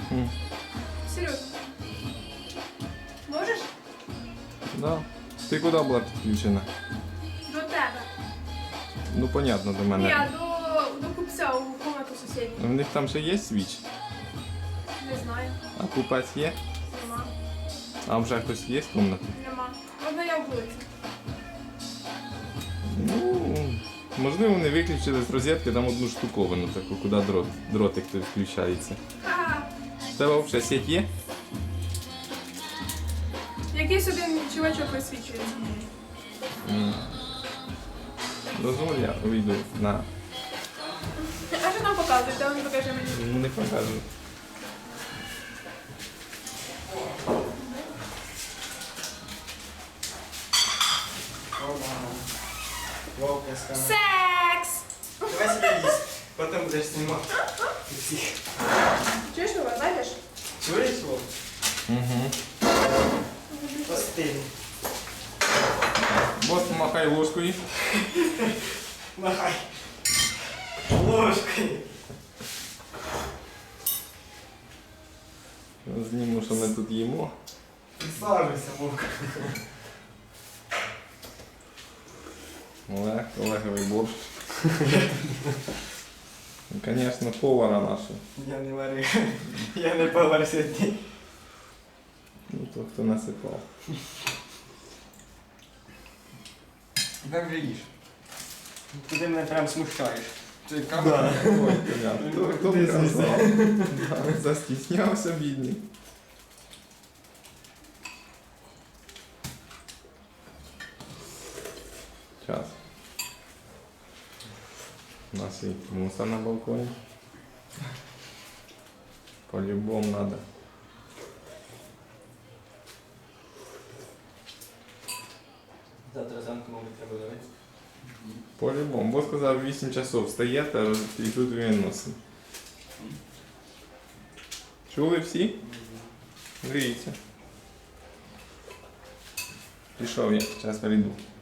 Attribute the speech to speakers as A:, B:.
A: Серйозно. Можеш?
B: Да. Ти куди була підключена?
A: До тебе.
B: Ну, понятно, до мене.
A: Ні, до купця у комнату сусідню.
B: В них там ще є свіч?
A: Не знаю.
B: А купець є?
A: Нема.
B: А вже хтось є в кімнаті?
A: Нема. Одна я в вулиці.
B: Ну, можливо, вони виключили з розетки там одну штуковину, таку, куди дротик той включається.
A: Ха-ха.
B: В тебе взагалі сеть є?
A: Якийсь один чувачок висвічується.
B: Дозволь, я вийду на...
A: А що там показуєте? Він покаже мені.
B: Не покажу.
C: Вовка скажет.
A: Секс!
C: Давай себя есть. Потом будешь снимать.
A: Чуєш його, знаєш?
C: Чуешь его?
B: Угу.
C: Постель.
B: Бос, помахай ложкою.
C: Махай. Ложкой.
B: Зніму, що ми тут їмо.
C: Присаживайся, Вовка.
B: Олеговий борщ. Ну, звісно, повара нашого.
C: Я не варю. Я не повар сьогодні.
B: Ну, то хто насипав.
C: Как же їш? Ти мене прям смущаєш.
B: Ти камера? Ой, понятно. Хто
C: Ти
B: б казав? Да, застіснявся, бідний. Сейчас. У нас и мусор на балконе. По-любому надо.
C: Завтра зранку, мабуть, треба давати.
B: По-любому. Бо сказав 8 часов встаєте і тут він носить. Чули всі? Гріться. Пішов я, зараз прийду.